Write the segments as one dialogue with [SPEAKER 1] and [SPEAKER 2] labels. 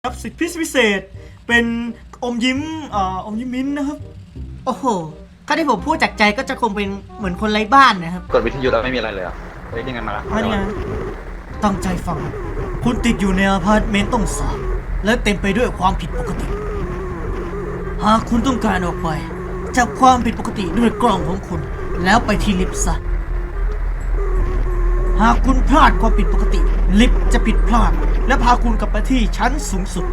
[SPEAKER 1] ครับสิทธิพิเศษเป็นอมยิ้มอมยิ้มมิ้นนะครับโอ้โหถ้าที่ผมพูดจากใจก็จะคงเป็นเหมือนคนไร้บ้านนะครับ
[SPEAKER 2] กดวิทยุแล้วไม่มีอะไรเลยอ่ะเฮ้ยยังไงมาละ
[SPEAKER 1] นี่ไงตั้งใจฟังคุณติดอยู่ในอพาร์ตเมนต์ต้องสาบและเต็มไปด้วยความผิดปกติหากคุณต้องการออกไปจากความผิดปกติด้วยกล้องของคุณแล้วไปที่ลิฟต์ซะหากคุณพลาดความผิดปกติลิฟต์จะผิดพลาดและพาคุณกลับไปที่ชั้นสูงสุด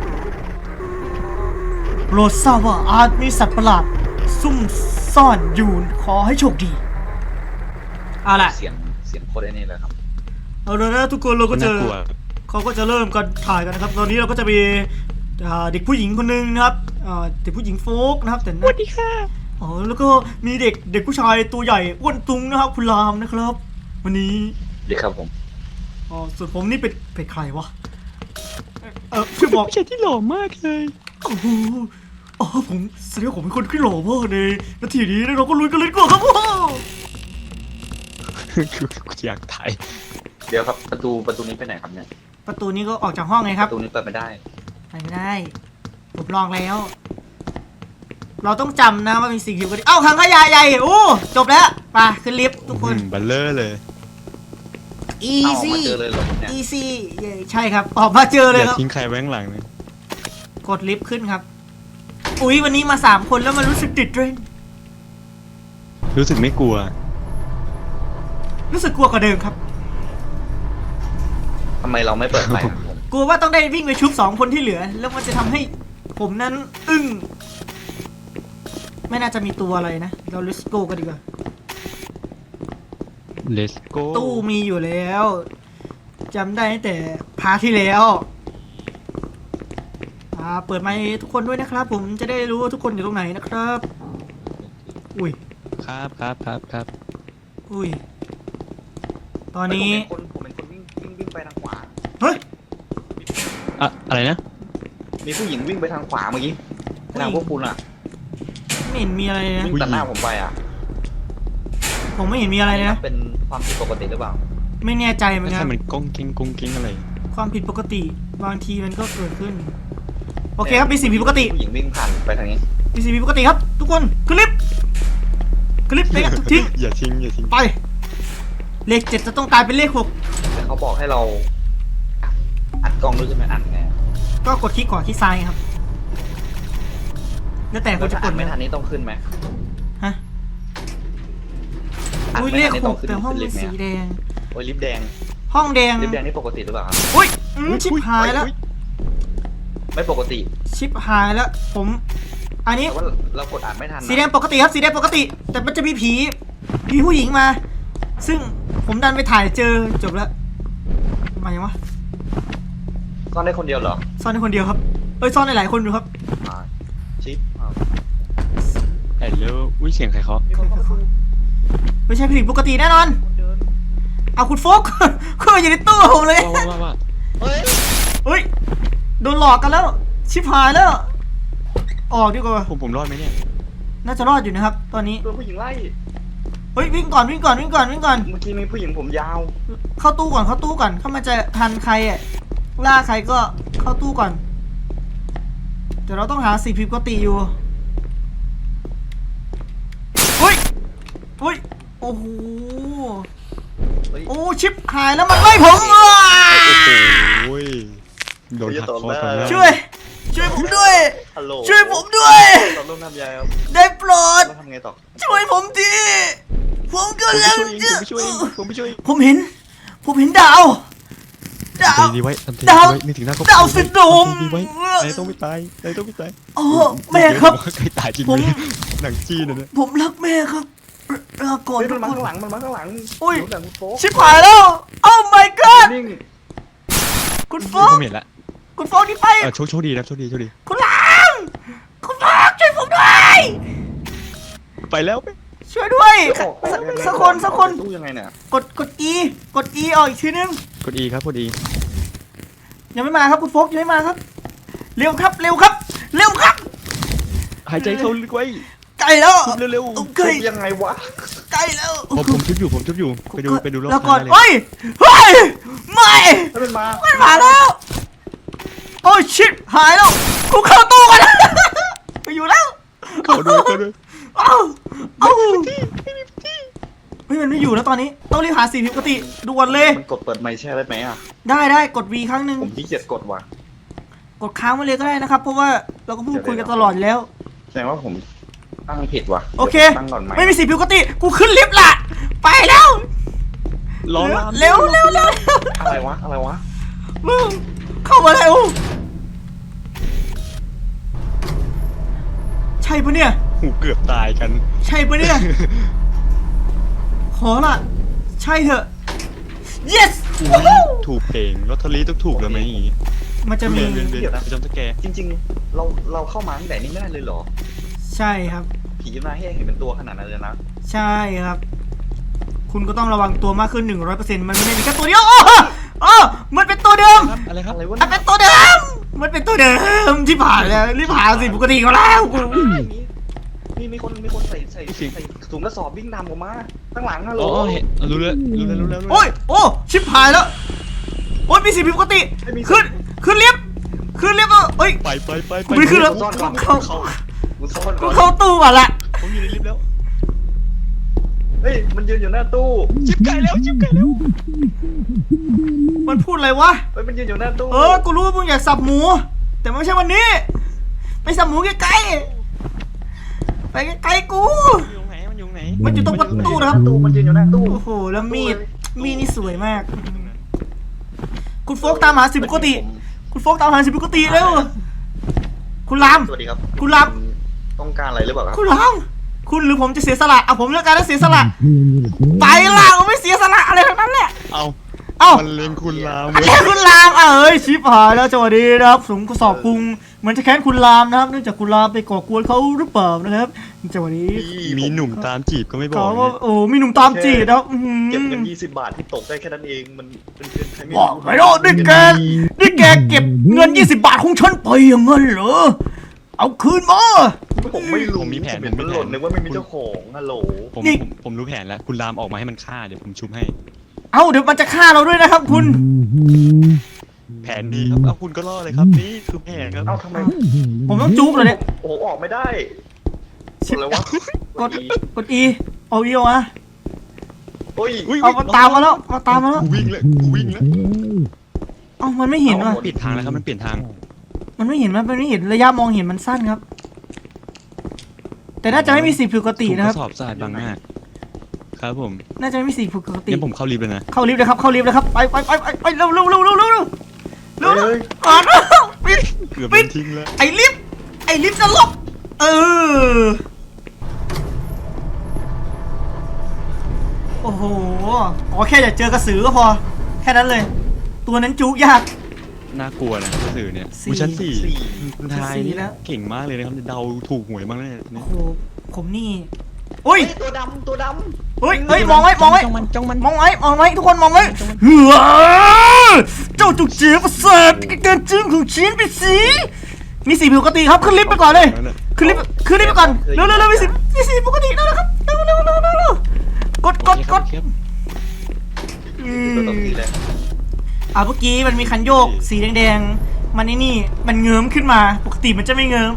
[SPEAKER 1] โปรดทราบว่าอาจมีสัตว์ประหลาดซุ่มซ่อนอยู่ขอให้โชคดีเอาล่ะ
[SPEAKER 2] เสียงโคตรไอ้นี่เลยครับ
[SPEAKER 1] เอาเลยนะทุกคนเราก็จะเขาก็จะเริ่มกันถ่ายกันนะครับตอนนี้เราก็จะมีเด็กผู้หญิงคนหนึ่งนะครับเด็กผู้หญิงโฟกนะครับแต่
[SPEAKER 3] สวัสดีค่ะ
[SPEAKER 1] อ๋อแล้วก็มีเด็กผู้ชายตัวใหญ่อ้วนตุงนะครับคุณรามนะครับวันนี้
[SPEAKER 2] ดีครับผม
[SPEAKER 1] อ๋อส่วนผมนี่เป็นใครวะช่วยบอก
[SPEAKER 3] ผู้ชายที่หล่อมากเลย
[SPEAKER 1] โอ้โหอ๋อผมแสดงว่าผมเป็นคนที่หล่อมากในนาทีนี้เราก็ลุยกันเลยดีกว่าครับว้าว
[SPEAKER 3] อยากถ่าย
[SPEAKER 2] เดี๋ยวครับประตูนี้ไปไหนครับเนี่ย
[SPEAKER 1] ประตูนี้ก็ออกจากห้องไงครับ
[SPEAKER 2] ประตูนี้เปิดไม่ได้
[SPEAKER 1] ผมลองแล้วเราต้องจำนะว่ามีสิ่งอยู่กันเอ้าถังขยะใหญ่โอ้จบแล้วไปขึ้นลิฟต์ทุกคน
[SPEAKER 3] บัลเลอร์เลย
[SPEAKER 1] easy
[SPEAKER 2] เจอเลยเหรอเนี่ย
[SPEAKER 1] easy ใช่ครับออกมาเจอเลยครับ
[SPEAKER 3] อย่าทิ้งใครไว้ข้างหลังเลย
[SPEAKER 1] กดลิฟต์ขึ้นครับอุ๊ยวันนี้มา3คนแล้วมันรู้สึกติดเทรน
[SPEAKER 3] รู้สึกไม่กลัว
[SPEAKER 1] รู้สึกกลัวกว่าเดิมครับ
[SPEAKER 2] ทำไมเราไม่เปิดไฟครับผม
[SPEAKER 1] กลัวว่าต้องได้วิ่งไปชุบ2คนที่เหลือแล้วมันจะทำให้ผมนั้นอึ้งไม่น่าจะมีตัวอะไรนะเรา let's go กันดีกว่า
[SPEAKER 3] let's go
[SPEAKER 1] ตู้มีอยู่แล้วจำได้ตั้งแต่พาร์ทที่แล้วเปิดไมค์ทุกคนด้วยนะครับผมจะได้รู้ว่าทุกคนอยู่ตรงไหนนะครับอุ้ย
[SPEAKER 3] ครับ
[SPEAKER 1] อุ้ยตอนนี้
[SPEAKER 2] ผมเป็นคนวิ่งไปทางขวา
[SPEAKER 1] เฮ้ย
[SPEAKER 3] อะไรนะ
[SPEAKER 2] มีผู้หญิงวิ่งไปทางขวาเมื่อกี้ทางพวกคุณอ่ะ
[SPEAKER 1] ไม่เห็นมีอะไรนะ
[SPEAKER 2] วิ่งตัดหน้าผมไปอ่ะ
[SPEAKER 1] ผมไม่เห็นมีอะไรนะ
[SPEAKER 2] เป็นความผิดปกติหรือเปล่า
[SPEAKER 1] ไม่แน่ใจเหมือนกัน
[SPEAKER 3] มันก้งกิ้งอะไร
[SPEAKER 1] ความผิดปกติบางทีมันก็เกิดขึ้นโอเคครับมีสิ่งผิดปกติ
[SPEAKER 2] ผู้หญิงวิ่งผ่านไปทางนี้
[SPEAKER 1] มีสิ่งผิดปกติครับทุกคนขึ้นลิฟต์ไปกันทิ้ง
[SPEAKER 3] อย่าทิ้ง
[SPEAKER 1] ไปเลข7จะต้องกลายเป็นเลข6
[SPEAKER 2] แต่เขาบอกให้เราอัดกล้องด้วยใช่ไหมอัดไง
[SPEAKER 1] ก็กดคลิกขวาคลิกซ้ายครับแล้วแต่คุณจะกด
[SPEAKER 2] ไม่ทันนี้ต้องขึ้นไหม
[SPEAKER 1] ฮะอุ้ยเลข6แต่ห้องเป็นสีแดง
[SPEAKER 2] โอ้ยลิฟต์แดง
[SPEAKER 1] ห้องแดง
[SPEAKER 2] ลิฟต์แดงนี่ปกติหรือเปล่าครับ
[SPEAKER 1] อุ้ยชิบหายแล้ว
[SPEAKER 2] ไม่ปกติ
[SPEAKER 1] ชิบหายแล้วผมอันนี้
[SPEAKER 2] เรากดอ่านไม่ทัน
[SPEAKER 1] สีแดงปกติครับสีแดงปกติแต่มันจะมีผีผู้หญิงมาซึ่งผมดันไปถ่ายเจอจบแล้วมายังวะ
[SPEAKER 2] ซ่อนได้คนเดียวเหรอ
[SPEAKER 1] ซ่อนได้คนเดียวครับซ่อนได้หลายคนอยู่ครับ
[SPEAKER 2] ชิป
[SPEAKER 3] แล้วอุ้ยเสียงใครเคาะ
[SPEAKER 1] ไม่ใช่ผิดปกติแน่นอนเอาคุณโฟกเข้าอยู่ในตู้ผมเลย
[SPEAKER 3] ว่า
[SPEAKER 1] เฮ้ยโดนหลอกกันแล้วชิบหายแล้วออกดีกว่า
[SPEAKER 3] ผมรอดไหมเนี่ย
[SPEAKER 1] น่าจะรอดอยู่นะครับตอนนี้
[SPEAKER 2] โดนผู้หญิงไล่
[SPEAKER 1] เฮ้ยวิ่งก่อนเมื่อ
[SPEAKER 2] กี้มีผู้หญิงผมยาว
[SPEAKER 1] เข้าตู้ก่อนถ้ามันจะทันใครล่าใครก็เข้าตู้ก่อนเดี๋ยวเราต้องหาสิ่งผิดปกติอยู่เฮ้ยโอ้โหโอ้ชิปหายแล้วมันไล่ผม
[SPEAKER 3] โอ้ยโดนหักคอ
[SPEAKER 1] ช่วยผมด้วยช่วยผมด้วยได้โปรดช่วยผมทีผมกำลังจะผมเห็นดาว
[SPEAKER 3] ดีไว้นี่ถึงหน้าก็
[SPEAKER 1] ดาวซินโดรม
[SPEAKER 3] ดีไว้นายต้องไม่ตาย
[SPEAKER 1] อ๋อแม่ครับ
[SPEAKER 3] ใครตายจริงหนังจีนนะ
[SPEAKER 1] ผมรักแม่ครับก่อน
[SPEAKER 2] มันมาข้างหลัง
[SPEAKER 1] อุ้ยชิบหายแล้วโอ้ my god คุณโฟก
[SPEAKER 3] เห็นละ
[SPEAKER 1] คุณโฟกนี่ไป
[SPEAKER 3] โชคดีนะโชคดี
[SPEAKER 1] คุณลังช่วยผมด้วย
[SPEAKER 3] ไปแล้ว
[SPEAKER 1] ช่วยด้วยสักคน
[SPEAKER 2] ตู้ยังไงเนี่ย
[SPEAKER 1] กด E ออกอีกทีนึง
[SPEAKER 3] กด E ครับกด E
[SPEAKER 1] ยังไม่มาครับคุณโฟกยังไม่มาครับเร็วครับ
[SPEAKER 3] หายใจเข้าลึกไว้
[SPEAKER 1] ใกล้แล้ว
[SPEAKER 3] เร็ว
[SPEAKER 2] ยังไงวะ
[SPEAKER 1] ใกล้แล้ว
[SPEAKER 3] ผมชุบอยู่ไปดูรอบ
[SPEAKER 1] แล้วก่อนไม่
[SPEAKER 2] มันมา
[SPEAKER 1] แล้วโอ้ชิบหายแล้วกูเข้าตู้กัน ไปอยู่แล้ว
[SPEAKER 3] เข้าด้วยเข้าด้วย
[SPEAKER 1] เอ้าเอ้าเฮ้ยมันไม่อยู่แล้วตอนนี้ต้องรีบหาสีผิดปกติด่วนเลย
[SPEAKER 2] มันกดเปิดไมค์แช่ได้ไหมอ่ะ
[SPEAKER 1] ได้กด V ครั้งหนึ่ง
[SPEAKER 2] ผมขี้เกียจกดว่ะ
[SPEAKER 1] กดค้างไว้เลยก็ได้นะครับ เพราะว่าเราก็พูดคุยกันตลอดอยู่แล้ว
[SPEAKER 2] แสดงว่าผมตั้งผิดว่ะ
[SPEAKER 1] โอเค
[SPEAKER 2] ตั้งก่อนไหม
[SPEAKER 1] ไม่มีสีผิดปกติกูขึ้นลิฟต์ละไปแล้ว
[SPEAKER 3] รอลาม
[SPEAKER 1] เร็ว
[SPEAKER 2] อะไรวะ
[SPEAKER 1] มึงเข้ามาเร็วใช่ปะเนี่ย
[SPEAKER 3] หูเกือบตายกัน
[SPEAKER 1] ใช่ปะเนี่ย ขอละใช่เถอะ yes
[SPEAKER 3] ถูกเพลงลอตเตอรี่ต้องถูกแล้วไหมอย่างงี้
[SPEAKER 1] มันจะมี
[SPEAKER 3] เวียนไปจอมสแกร์
[SPEAKER 2] จริงๆ เราเข้ามาตั้งแต่นี้ไม่ได้เลยเหรอ
[SPEAKER 1] ใช่ครับ
[SPEAKER 2] ผีมาให้เห็นเป็นตัวขนาดนั้นเลยนะ
[SPEAKER 1] ใช่ครับ คุณก็ต้องระวังตัวมากขึ้น 100%มันไม่ได้มีแค่ตัวเดียวมันเป็นตัวเดิม
[SPEAKER 3] ครับอะไรครับ
[SPEAKER 2] อะไรวะ
[SPEAKER 1] มันเป็นตัวเดิม มันเป็นตัวเดิมที่ผ่านแล้วรีบหาสิปกติเขาแล้วกู
[SPEAKER 2] มีคนใส่ถุงกระสอบวิ่งนำออกมาข้างหลังฮัลโหล
[SPEAKER 3] อ๋อเห็นรู้แล้ว
[SPEAKER 1] โอ้ยโอ้ชิบหายแล้วโอ้ยมีสิ่งผิดปกติขึ้นลิฟต์เอ้ย
[SPEAKER 3] ไป
[SPEAKER 1] ไม่ขึ้นแล้ว
[SPEAKER 2] ซ่อนก่อน
[SPEAKER 1] เข้า
[SPEAKER 2] กูซ่อน
[SPEAKER 1] กู
[SPEAKER 2] ก่อน
[SPEAKER 1] เข้าตู้ก่อนละ
[SPEAKER 3] ผมอยู่ในลิฟต์แล้ว
[SPEAKER 2] เฮ้ยมันยืนอยู่หน้าตู้
[SPEAKER 3] ชิบไก่แล้ว
[SPEAKER 1] มันพูดอะไรวะ
[SPEAKER 2] เฮ้ยมันยืนอยู่หน้าตู้
[SPEAKER 1] กูรู้ว่ามึงอยากสับหมู แต่ไม่ใช่วันนี้ ไปสับหมูใกล้ๆไปใกล้ๆกู
[SPEAKER 3] มันอยู่ไหน
[SPEAKER 1] มันอยู่ตรงประตูนะครับ
[SPEAKER 2] ตู้มันยืนอยู่หน้าตู้
[SPEAKER 1] โอ้โหแล้วมีดนี่สวยมาก คุณโฟกตามหาสิ่งปกติ คุณโฟกตามหาสิ่งปกติเร็วคุณราม
[SPEAKER 2] สวัสดีครับ
[SPEAKER 1] คุณราม
[SPEAKER 2] ต้องการอะไรหรือเปล่าครับ
[SPEAKER 1] คุณรามคุณหรือผมจะเสียสละผมเลือกการแล้วเสียสละไปละผมไม่เสียสละอะไรทั้งนั้นแหละ
[SPEAKER 3] เอา
[SPEAKER 1] เอ้า
[SPEAKER 3] มันเล็งคุณลาม
[SPEAKER 1] แค้นคุณรามเอ้ยชิบหายแล้วจังหวะนี้นะครับสมกระสอบกรุงเหมือนจะแค้นคุณรามนะครับเนื่องจากคุณรามไปก่อกวนเขาหรือเปล่านะครับจังหวะนี้
[SPEAKER 3] มีหนุ่มตามจีบก็ไม่บอ
[SPEAKER 1] เขา
[SPEAKER 3] ก
[SPEAKER 1] ว่าโอ้มีหนุ่มตามจีบนะครับ
[SPEAKER 2] เก็บเงิน20 บาทที่ตกได้แค่นั้นเองมันเป็นเงินใครไม่
[SPEAKER 1] บอกไม่รู้นี่แกเก็บเงิน20 บาทของฉันไปอย่างนั้นเหรอเอาคืนมา
[SPEAKER 2] ผมไม่รู้
[SPEAKER 3] ผมมีแผน
[SPEAKER 2] เห็นมันหล่นนึกว่าไม่มีเจ้าของฮัลโหล
[SPEAKER 3] ผมรู้แผนแล้ว คุณลามออกมาให้มันฆ่าเดี๋ยวผมชุบให้
[SPEAKER 1] เอาเดี๋ยวมันจะฆ่าเราด้วยนะครับคุณ
[SPEAKER 3] แผนดีครับเอาคุณก็รอดเลยครับนี่คือแผนครับ
[SPEAKER 2] เอ้าทำไม
[SPEAKER 1] ผมต้องจุ๊บเลยเนี่ย
[SPEAKER 2] โอ้ออกไม่ได้กดอะไรวะ
[SPEAKER 1] กด E เอาอีวะ
[SPEAKER 2] โอ้ย
[SPEAKER 1] เอามาตามมาแล้ว
[SPEAKER 3] กูวิ่งแล้ว
[SPEAKER 1] เอามันไม่เห็นว่ะ
[SPEAKER 3] ปิดทางแล้วครับมันเปลี่ยนทาง
[SPEAKER 1] มันไม่เห็นระยะมองเห็นมันสั้นครับ แต่น่าจะไม่มีสิ่งผิดปกตินะครับ
[SPEAKER 3] สอบสะอาดบางหน้าครับผม
[SPEAKER 1] น่าจะไม่มีสิ่งผิดปกติ
[SPEAKER 3] งั้นผมเข้าลิฟต์เลยนะ
[SPEAKER 1] เข้าลิฟต์เลยครับไปเร็วก่อนปิด
[SPEAKER 3] เกือบโดนทิ้งแล้ว
[SPEAKER 1] ไอ้ลิฟต์จะลบโอ้โหแค่อยากเจอกระสือก็พอแค่นั้นเลย ตัวนั้นจุกยาก
[SPEAKER 3] น่ากลัวนะสื่อเนี่ย
[SPEAKER 1] สี่
[SPEAKER 3] ชั้น4คุณทาย
[SPEAKER 1] สี่
[SPEAKER 3] นี่
[SPEAKER 1] แล้ว
[SPEAKER 3] เก่งมากเลยนะครับเดาถูกหวยมากเลย
[SPEAKER 1] โอ้โหผมนี่อุ้ย
[SPEAKER 2] ตัวดำ
[SPEAKER 1] เฮ้ยมองไว้
[SPEAKER 3] จ้องมัน
[SPEAKER 1] มองไว้ทุกคนมองไว้เฮ้ยเจ้าจุกเจี๊ยบประเสริฐเกินจึ้งของชิ้นไปสิมีสีปกติครับขึ้นลิฟต์ไปก่อนเลยขึ้นลิฟต์ไปก่อนเร็วมีสีปกติแล้วนะครับเร็วกด
[SPEAKER 3] ครับ
[SPEAKER 2] ตัวตบทีเลย
[SPEAKER 1] เมื่อกี้มันมีคันโยกสีแดงๆมันนี่มันเงิมขึ้นมาปกติมันจะไม่เงิม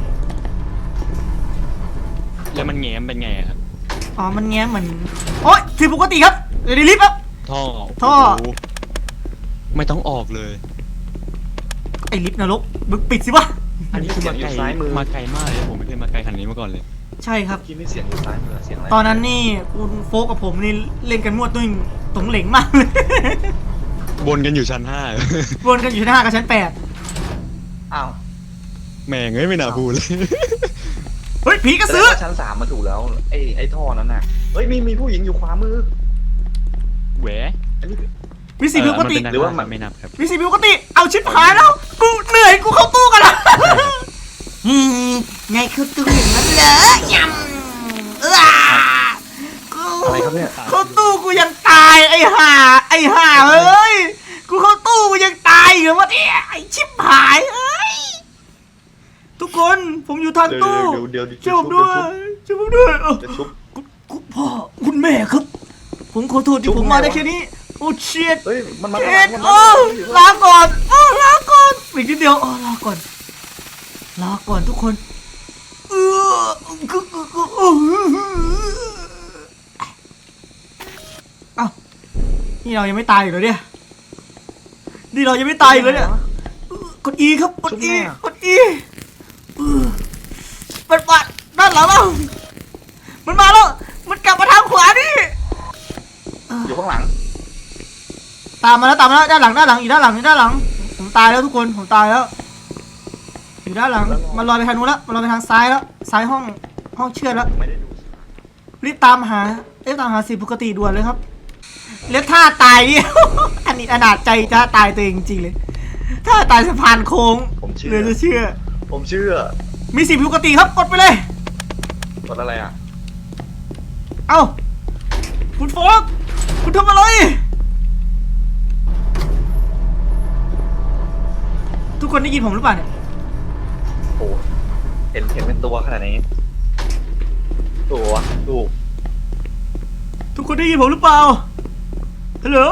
[SPEAKER 3] แล้วมันแง้มเป็นไงครับ
[SPEAKER 1] มันแง้มเหมือนโอ๊ยสีปกติครับเดี๋ยวลิฟต์ครับ
[SPEAKER 3] ท่อ
[SPEAKER 1] ท่อ
[SPEAKER 3] โโหไม่ต้องออกเลย
[SPEAKER 1] ไอ้ลิฟต์นรกมึงปิดสิวะ
[SPEAKER 3] อันนี้คือมาไกลมากเลยผมไม่เคยมาไกลขนาดนี้มาก่อนเลย
[SPEAKER 1] ใช่ครับ
[SPEAKER 2] คิดไม่เสียงอยู่ซ้ายมือเสียงอะไร
[SPEAKER 1] ตอนนั้นนี่คุณโฟกกับผมนี่เล่นกันมั่วตุ้งตงเหลงมากเลย
[SPEAKER 3] บนกันอยู่ชั้น
[SPEAKER 1] วนกันอยู่หน้ากับชั้น
[SPEAKER 2] อ้าว
[SPEAKER 3] 5แม่งเอ้ยไม่น่าพูดเลย
[SPEAKER 1] 8เฮ้ยผีกระสือ
[SPEAKER 2] ชั้น3มาถูกแล้วไอ้ท่อนั้นน่ะเฮ้ยมีผู้หญิงอยู่ขวามือ
[SPEAKER 3] แหว
[SPEAKER 2] อันนี้
[SPEAKER 1] มีสีผิดปกติ
[SPEAKER 2] หรือว่ามัน
[SPEAKER 3] ไม่นับครับ
[SPEAKER 1] มีสีผิดปกติเอาชิบหายแล้วกูเหนื่อยกูเข้าตู้กันละไงคือตู้อย่างนั้นเหรอยำกู
[SPEAKER 2] อะไรครับเนี่ย
[SPEAKER 1] เข้าตู้กูยังตายไอ้ห่าเอ้ยกูเข้าตู้กูยังตายอยู่วะเนี่ยไอ้ชิบหายเอ้ยทุกคนผมอยู่ทางตู้
[SPEAKER 2] เดี๋ยว
[SPEAKER 1] ช่วยผมด้วย
[SPEAKER 2] จะชุบ
[SPEAKER 1] คุณพ่อคุณแม่ครับ ผมขอโทษที่ผมมาได้แค่นี้โอ้เชียด
[SPEAKER 2] เฮ้ยมันมา
[SPEAKER 1] เชียดลาก่อนลาก่ออีกนิดเดียวรอก่อนทุกคนเอ้านี่เรายังไม่ตายอยู่เหรอเนี่ยกด E ครับกด E มันมาด้านหลังเรามันมาแล้วมันกลับมาทางขวานี่
[SPEAKER 2] อยู่ข้างหลัง
[SPEAKER 1] ตามมาแล้วด้านหลังอีกด้านหลังผมตายแล้วทุกคนผมตายแล้วอยู่ด้านหลังมันลอยไปทางนู้นแล้วมันลอยไปทางซ้ายแล้วซ้ายห้องเชือดแล้ว
[SPEAKER 2] ไม่ได้ดู
[SPEAKER 1] รีบตามหาสิ่งปกติด่วนเลยครับแล้วท่าตายนี่ อันนี้อนาจใจท่าตายตัวเองจริงๆเลยท่าตายสะพานโค้งเหลือจะเชื่อ
[SPEAKER 2] ผมเชื่อ
[SPEAKER 1] มีสิ่งปกติครับกดไปเลย
[SPEAKER 2] กดอะไรอ่ะ
[SPEAKER 1] เอ้าคุณโฟกคุณทำอะไรทุกคนได้ยินผมหรือเปล่าเนี่ย
[SPEAKER 2] โอ้เห็นเป็นตัวขนาดนี้ตัวดู
[SPEAKER 1] ทุกคนได้ยินผมหรือเปล่าฮัลโหล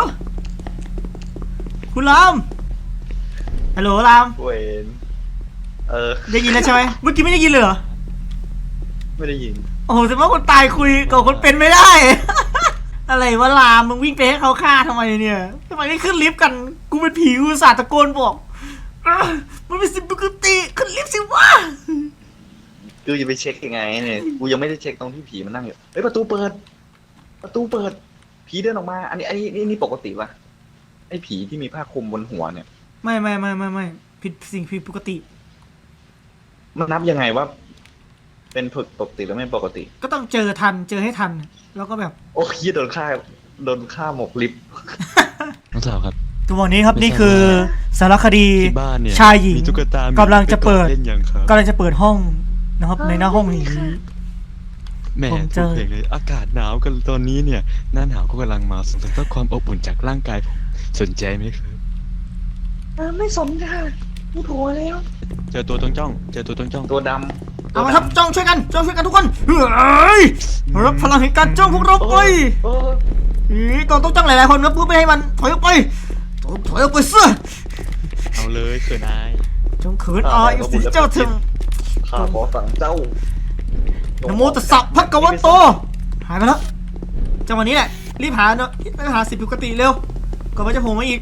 [SPEAKER 1] คุณรามฮัลโหลราม
[SPEAKER 2] เวน
[SPEAKER 1] ได้ยินแล้วใช่ไหมเมื่อกี้ไม่ได้ยินเลยเหรอ
[SPEAKER 2] ไม่ได้ยิน
[SPEAKER 1] โอ้โหแต่ว่าคนตายคุยกับคนเป็นไม่ได้ อะไรวะรามมึงวิ่งไปให้เขาฆ่าทำไมเนี่ยทำไมไม่ขึ้นลิฟต์กันกูเป็นผีกูอุตส่าห์ตะโกนบอกมันเป็นสิ่งปกติขึ้นลิฟต์สิวะ
[SPEAKER 2] กูจะไปเช็คยังไงเนี่ยกูยังไม่ได้เช็คตรงที่ผีมันนั่งอยู่เฮ้ยประตูเปิดผีเดินออกมาอันนี้ปกติปะไอ้ผีที่มีผ้าคลุมบนหัวเนี่ย
[SPEAKER 1] ไม่ผิดสิ่งผิดปกติ
[SPEAKER 2] มันนับยังไงว่าเป็นปกติหรือไม่ปกติ
[SPEAKER 1] ก็ต้องเจอให้ทันแล้วก็แบบ
[SPEAKER 2] โอ้ยโดนฆ่าหมกลิฟต์
[SPEAKER 3] น้องสาวครับ
[SPEAKER 1] ตัววันนี้ครับนี่คือสารคดี
[SPEAKER 3] ที่บ้านเนี่ย
[SPEAKER 1] ชายหญิง
[SPEAKER 3] มีตุ๊กตามี
[SPEAKER 1] กำลังจะเปิด
[SPEAKER 3] เล่นยังครับ
[SPEAKER 1] กำลังจะเปิดห้องนะครับในหน้าห้องนี้
[SPEAKER 3] แหม่
[SPEAKER 1] ผมเจ
[SPEAKER 3] ถูก
[SPEAKER 1] อ
[SPEAKER 3] เพลงเลยอากาศหนาวกันตอนนี้เนี่ยหน้าหนาวก็กำลังมาสงสัยต้องความอบอุ่นจากร่างกายผมสนใจไหมครับ
[SPEAKER 2] ไม่สนค่ะกูโทรแล้ว
[SPEAKER 3] เจอตัวต้องจ้อง
[SPEAKER 2] ตัวด
[SPEAKER 1] เอามาครับจ้องช่วยกันทุกคนเฮ้ยรับพลังแห่งการจ้องพวกเราไป ต้องจ้องหลายๆคนนะปุ๊บไม่ให้มันถอยออกไปเสื้อ
[SPEAKER 3] เอาเลยเขินอาย
[SPEAKER 1] จงเขินอายสิเจ้าถึง
[SPEAKER 2] ข้าขอสั่งเจ้า
[SPEAKER 1] นะโมตัสสะภะคะวะโตหายไปแล้วจังหวะนี้แหละรีบหาเนาะหาสิ่งปกติเร็วก่อนมันจะโผล่มาอีก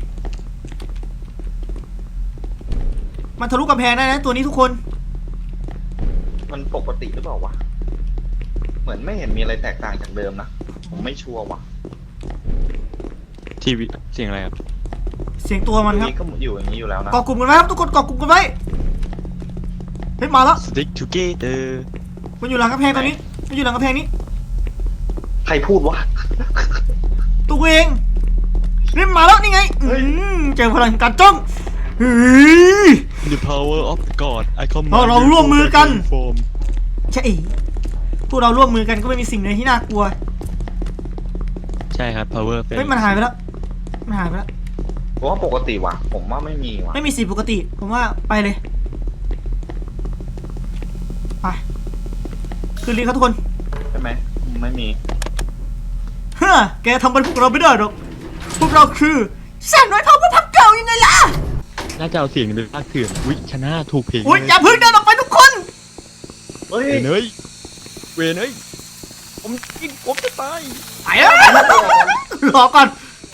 [SPEAKER 1] มันทะลุกำแพงได้นะตัวนี้ทุกคน
[SPEAKER 2] มันปกติหรือเปล่าวะเหมือนไม่เห็นมีอะไรแตกต่างจากเดิมนะผมไม่ชัวร์ว่ะ
[SPEAKER 3] ทีวีเสียงอะไรครับ
[SPEAKER 1] เสียงตัวมันครับ
[SPEAKER 2] ก็อยู่อย่างนี้อยู่แล้วนะ
[SPEAKER 1] เกาะกลุ่มกันไว้ครับทุกคนเกาะกลุ่มกันไว้เฮ้ยมาแล้ว
[SPEAKER 3] Stick together
[SPEAKER 1] มันอยู่หลังกำแพงตอนนี้มันอยู่หลังกำแพงนี้
[SPEAKER 2] ใครพูดวะ
[SPEAKER 1] ตัวเองรีบมาแล้วนี่ไง
[SPEAKER 2] เฮ้ย
[SPEAKER 1] เจอพลังแห่งการจ้องเฮ้ย
[SPEAKER 3] The power of God I command
[SPEAKER 1] เราร่วมมือกัน
[SPEAKER 3] โฟม
[SPEAKER 1] ใช่พวกเราร่วมมือกันก็ไม่มีสิ่งใดที่น่ากลัว
[SPEAKER 3] ใช่ครับ power
[SPEAKER 1] เฮ้ยมันหายไปแล้ว
[SPEAKER 2] ผมว่าปกติว่ะผมว่าไม่มีว่ะ
[SPEAKER 1] ไม่มีสิ่งปกติผมว่าไปเลยไปขึ้นลิฟต์ครับทุกคน
[SPEAKER 2] ใช่ไหมไม่มี
[SPEAKER 1] เฮ้อแกทำเป็นพวกเราไม่ได้หรอกพวกเราคือแสนน้อยเท่าพระพักเก่ายังไงล่ะ
[SPEAKER 3] น่าจะเอาเสียงนี้เป็นภาคเถื่อนวิชนะถูกเพลง
[SPEAKER 1] อุ้ยอย่าเพิ่งเดินออกไปทุกคน
[SPEAKER 2] เฮ้ย
[SPEAKER 3] เวนเอ้ยผมจะตาย
[SPEAKER 1] ไปแล้วรอก่อน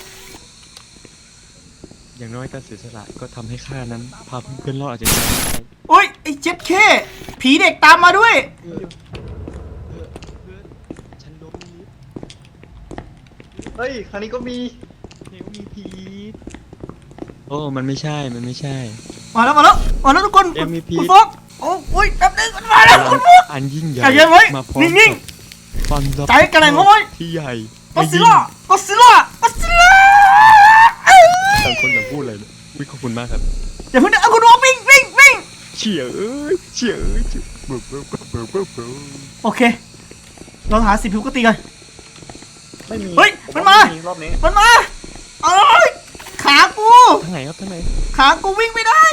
[SPEAKER 3] อย่างน้อยการเสียสละก็ทำให้ข้านั้นพาเพื่อนๆรอดอาจจะได้
[SPEAKER 1] โอ้ยไอ้เจ็ดเคผีเด็กตามมาด้วย
[SPEAKER 3] ฉันล้มลิฟต์
[SPEAKER 2] เฮ้ยคราวนี้ก็มี
[SPEAKER 3] เดี๋ยวมีผีโอ้มันไม่ใช่
[SPEAKER 1] มาแล้วทุกคน
[SPEAKER 3] MVP
[SPEAKER 1] คุณโฟกโอ้ยแป๊บนึงมันมาแล้วคุณโฟก
[SPEAKER 3] อันยิ่งใหญ่
[SPEAKER 1] ใจเย็นไว้
[SPEAKER 3] มาพร้อม
[SPEAKER 1] นิ่ง
[SPEAKER 3] ๆความรับ
[SPEAKER 1] ใจกระแหน่งเอาไว้
[SPEAKER 3] ที่ใหญ่
[SPEAKER 1] ก็ซิล่า
[SPEAKER 3] ต่างคนต่างพูดเลยวิขอบคุณมากครับ
[SPEAKER 1] อย่าเพิ่งเดินเอาคุณโฟกวิ่ง
[SPEAKER 3] เฉียเอ้ยเบิร์
[SPEAKER 1] โอเคเราหาสิ่งผิดปกติกัน
[SPEAKER 2] ไม่มี
[SPEAKER 1] เฮ้ย
[SPEAKER 2] ผ
[SPEAKER 1] มัน
[SPEAKER 2] ว่
[SPEAKER 1] มา
[SPEAKER 2] รอบนี้
[SPEAKER 1] มันมาเอ้ยขากู
[SPEAKER 3] ทางไหนครับทางไหน
[SPEAKER 1] ขากูวิ่งไม่ได้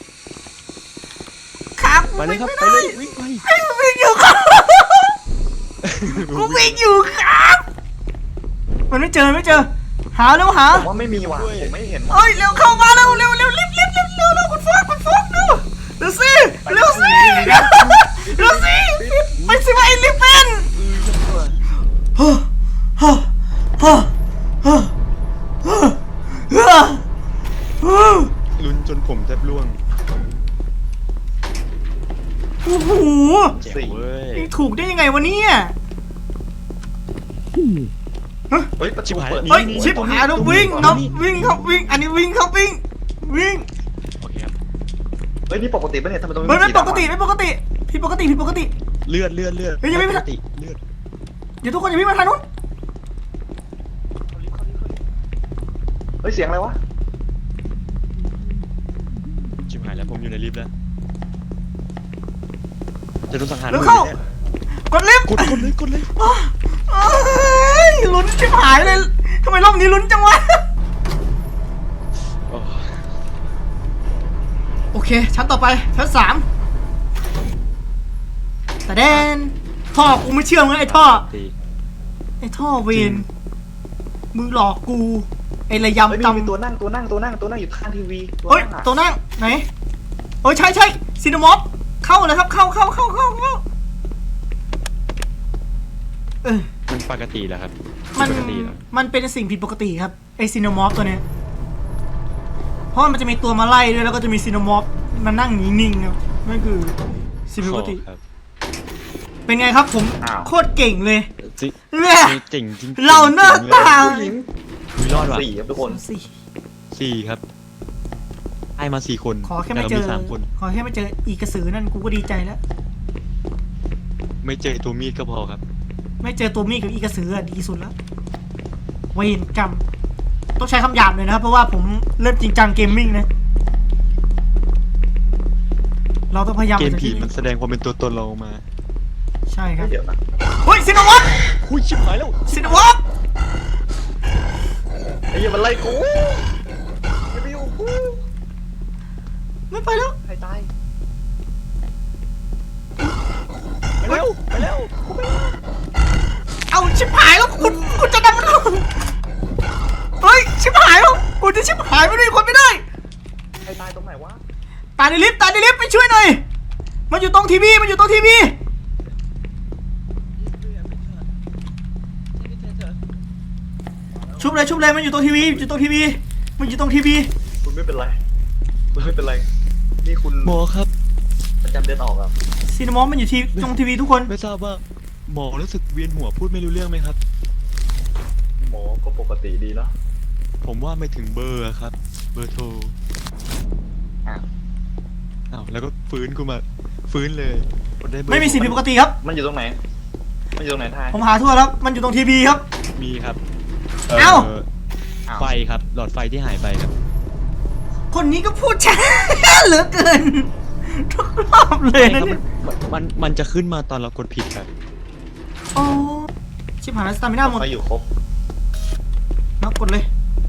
[SPEAKER 1] ขากู
[SPEAKER 3] ไปเลย
[SPEAKER 1] วิ่ง
[SPEAKER 3] ครับ
[SPEAKER 1] ไม่
[SPEAKER 3] ไป
[SPEAKER 1] ได้
[SPEAKER 3] เลยวิ่งไป
[SPEAKER 1] วิ่งอยู่ครับกูวิ่งอยู่ครับมันไม่เจอหา
[SPEAKER 2] ผมว่าไม่มีว่ะผมไม่เห็นว่ะ
[SPEAKER 1] เอ้ยเร็วเข้ามาเร็วรีบคุณโฟกสิเร็วสิเร็วสิไปสิว่าไอ้ลิปเป็นฮ่าฮ่าฮ่าฮ่าฮ่าฮ่า
[SPEAKER 3] ลุ้นจนผมแทบร่วง
[SPEAKER 1] โอ้โห
[SPEAKER 3] เจ๋งเว้ย
[SPEAKER 1] ถูกได้ยังไงวะเนี่ย
[SPEAKER 2] เฮ้ยประ
[SPEAKER 3] ชิ
[SPEAKER 2] ตู
[SPEAKER 3] บหาย
[SPEAKER 2] เปิด
[SPEAKER 1] เฮ้ยชิบหายแล้ววิ่งนบวิ่งครับวิ่งอันนี้วิ่งครับวิ่งวิ่ง
[SPEAKER 3] โอเคครับ
[SPEAKER 2] เฮ้ยนี่ปกติปะเนี่ยทำไมตรงนี้
[SPEAKER 1] ไม่
[SPEAKER 2] สี
[SPEAKER 1] ป
[SPEAKER 2] ดำ
[SPEAKER 1] กติ
[SPEAKER 2] อะ
[SPEAKER 1] ไม่ปกติผิดปกติผิดปกติ
[SPEAKER 3] เลือด
[SPEAKER 1] เฮ้ยยังไม่
[SPEAKER 3] ปกติเลือด
[SPEAKER 1] เดี๋ยวทุกคนอย่าวิ่งมาทางนู้น
[SPEAKER 2] เฮ้ยเสียงอะไรวะ
[SPEAKER 3] ชิบหายแล้วผมอยู่ในลิฟต์แล้วจะโดนสังหาร
[SPEAKER 1] เร็วเข้า กดลิฟต์
[SPEAKER 3] กดเลย
[SPEAKER 1] เอ้ยลุ้นชิบหายเลยทำไมรอบนี้ลุ้นจังวะ
[SPEAKER 3] โอ้
[SPEAKER 1] โอเคชั้นต่อไปชั้น3แต่แดนท่อกูไม่เชื่อมึงไอ้ท่อ
[SPEAKER 3] ตี
[SPEAKER 1] ไอ้ท่อเวนมึงหลอกกูไอ้ระ
[SPEAKER 2] เฮ้ย
[SPEAKER 1] ยำ
[SPEAKER 2] มี
[SPEAKER 1] ตำ
[SPEAKER 2] ตัวนั่งอยู่ข้างทีวีตัว
[SPEAKER 1] เฮ้ย
[SPEAKER 2] นั่งอะ
[SPEAKER 1] ตัวนั่งไหนเฮ้ยใช่ซีนามอฟเข้าเลยครับเข้าเออ
[SPEAKER 3] มันปกติแล้วครับ
[SPEAKER 1] มัน
[SPEAKER 3] ปกติแล้ว
[SPEAKER 1] มันเป็นสิ่งผิดปกติครับไอซีนามอฟตัวเนี้ยเพราะมันจะมีตัวมาไล่ด้วยแล้วก็จะมีซีนามอฟมานั่งนิ่งๆครับนั่นคือสิ่งผิดปกติ
[SPEAKER 3] ครับ
[SPEAKER 1] เป็นไงครับผม
[SPEAKER 2] อ้าว
[SPEAKER 1] โคตรเก่งเลย
[SPEAKER 3] จิ
[SPEAKER 1] เนี่ย
[SPEAKER 3] เจ๋งจริงๆ
[SPEAKER 1] เราหน้าตา
[SPEAKER 2] ผู้หญิง
[SPEAKER 3] มีรอดว่ะ
[SPEAKER 2] สี่ครับทุกคน
[SPEAKER 1] สี่
[SPEAKER 3] สี่ครับไอ้มา4 คน
[SPEAKER 1] ขอแค่ไม่เจอ
[SPEAKER 3] แต่รา3 คน
[SPEAKER 1] ขอแค่ไม่เจออีกระสือนั่นกูก็ดีใจแล้ว
[SPEAKER 3] ไม่เจอตัวมีดก็พอครับ
[SPEAKER 1] ไม่เจอตัวมีดกับอีกระสืออะดีสุดแล้วเวรกรรมต้องใช้คำหยาบเลยนะครับเพราะว่าผมเริ่มจริงจังเกมมิ่งนะเราต้องพยายาม
[SPEAKER 3] เกม
[SPEAKER 1] จาก
[SPEAKER 3] ผี
[SPEAKER 1] ที่
[SPEAKER 3] มันแสดงความเป็นตัวตนเราออกมา
[SPEAKER 1] ใช่ครับ
[SPEAKER 2] เดี๋ยวนะ
[SPEAKER 1] เฮ้ยซินาวอฟ
[SPEAKER 3] คุยชิบหายแล้ว
[SPEAKER 1] ซินาวอฟ
[SPEAKER 2] ไอ้เหี้ยมันไล่กูอย่าไปอยู่กู
[SPEAKER 1] ไม่ไปแล้ว
[SPEAKER 2] ใครตาย
[SPEAKER 3] ไปแล้ว
[SPEAKER 1] เอาชิบหายแล้วคุณจะนำมันเฮ้ยชิบหายแล้วคุณจะชิบหายไม่ได้คนไม่ได้
[SPEAKER 2] ใครตายตรงไหนวะ
[SPEAKER 1] ตายในลิฟต์ไปช่วยหน่อยมันอยู่ตรงทีวีชุบเลยมันอยู่ตรงทีวีมันอยู่ตรงทีวี
[SPEAKER 2] คุณไม่เป็นไรคุณไม่เป็นไรนี่คุณ
[SPEAKER 3] หมอครับ
[SPEAKER 2] ประจำเดือนออกอ่ะ
[SPEAKER 1] ซีนามอฟมันอยู่ที่ตรงทีวีทุกคน
[SPEAKER 3] ไม่ทราบว่าหมอรู้สึกเวียนหัวพูดไม่รู้เรื่องไหมครับ
[SPEAKER 2] หมอก็ปกติดีแล้ว
[SPEAKER 3] ผมว่าไม่ถึงเบอร์อะครับ เบอร์โทร
[SPEAKER 2] อ้าว
[SPEAKER 3] อ้าวแล้วก็ฟื้นเลยกดด้เบอร์
[SPEAKER 1] ไม่มีสิ่งผิดปกติครับ
[SPEAKER 2] มันอยู่ตรงไหนทาย
[SPEAKER 1] ผมหาทั่วแล้วมันอยู่ตรงทีวีครับ
[SPEAKER 3] มีครับ
[SPEAKER 1] เอ้า
[SPEAKER 3] ไฟครับหลอดไฟที่หายไปครับ
[SPEAKER 1] คนนี้ก็พูดช้า เหลือเกิน ทุกรอบเลย
[SPEAKER 3] ใช่
[SPEAKER 1] นะครับ เนี่ย
[SPEAKER 3] มันจะขึ้นมาตอนเรากดผิดครับ
[SPEAKER 1] โอ้ชิบหายแล้วสตามิน่าหมด
[SPEAKER 2] ไฟอยู่ครบ
[SPEAKER 1] นับกดเลย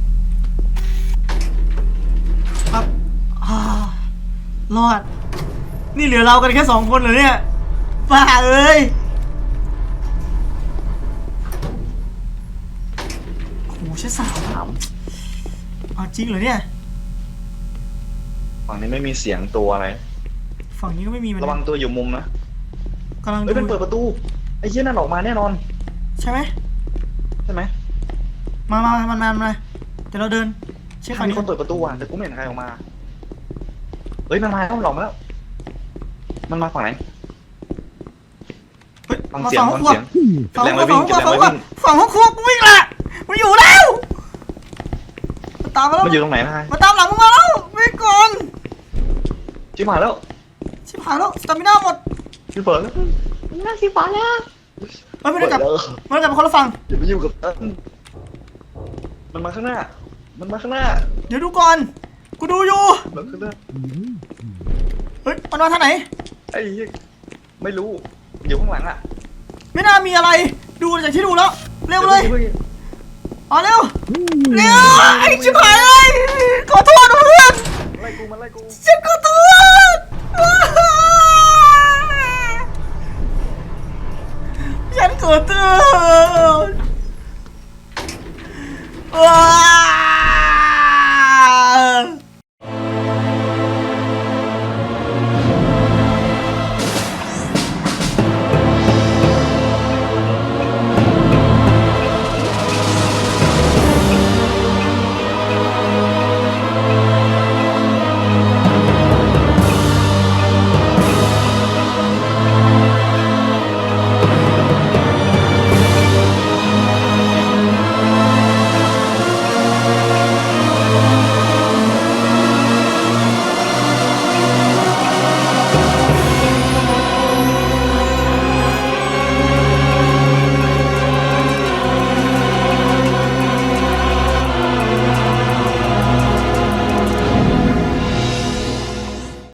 [SPEAKER 1] ครับรอด นี่เหลือเรากันแค่2 คนเหรอเนี่ยบ้าเอ้ยโอ้โหใช่สาว
[SPEAKER 2] ถาม
[SPEAKER 1] เอาจริงเหรอเนี่ย
[SPEAKER 2] ฝั่งนี้ไม่มีเสียงตัวอะไร
[SPEAKER 1] ฝั่งนี้ก็ไม่มีมัน
[SPEAKER 2] ระวังตัวอยู่มุมนะ
[SPEAKER 1] กำลัง
[SPEAKER 2] เฮ้ย
[SPEAKER 1] ดู
[SPEAKER 2] มันเปิดประตูไอ้เหี้ยนั่นออกมาแน่นอน
[SPEAKER 1] ใช่ไหม
[SPEAKER 2] ใช่ไหม
[SPEAKER 1] มาเดี๋ยวเราเดินเช็คฝั่ง
[SPEAKER 2] มี
[SPEAKER 1] นี้
[SPEAKER 2] คนเปิดประตูว่ะแต่กูไม่เห็นใครออกมาเฮ้ยมันมาแล้วหลอกมาแล้วมันมาฝั่งไหน
[SPEAKER 1] เฮ้ย
[SPEAKER 2] ฟัง
[SPEAKER 1] มา
[SPEAKER 2] เสียง
[SPEAKER 1] ฝั่งห้องครัว
[SPEAKER 2] เก็บแรงไว้วิ่งเก็บแรงไว้วิ่ง
[SPEAKER 1] ฝั่งห้องครัวกูวิ่งละมันอยู่แล้วมันตามมาแล้ว
[SPEAKER 2] มันอยู่ตรงไหนนะ
[SPEAKER 1] มาตามหลังมึงมาแล้ววิ่งก่อน
[SPEAKER 2] ชิบหายแล้ว
[SPEAKER 1] ชิบหายแล้วสตามิน่าหมด
[SPEAKER 2] ชิบเปิดแล้ว
[SPEAKER 1] น่าสิบาทแล้วเฮ้ยไม่ได้กลับ
[SPEAKER 2] เปิดแล้ว
[SPEAKER 1] ไม่ได้กลับมาคนละฝั่ง
[SPEAKER 2] อย่าไปยุ่งกับมันมาข้างหน้า มันมาข้างหน้า
[SPEAKER 1] เดี๋ยวดูก่อนกูดูอยู่
[SPEAKER 2] มันข้างหน้า
[SPEAKER 1] เฮ้ยมันมาทางไหน
[SPEAKER 2] ไอ้เหี้ยไม่รู้อยู่ข้างหลังอ่ะ
[SPEAKER 1] ไม่น่ามีอะไรดูจากที่ดูแล้วเร็วเลย
[SPEAKER 2] ดี๋ว
[SPEAKER 1] อ๋อเร็วไอ้ชิบหายเลยขอโทษนะเพื่อน
[SPEAKER 2] ไล่กูมันไล่กู
[SPEAKER 1] ฉันขอโทษ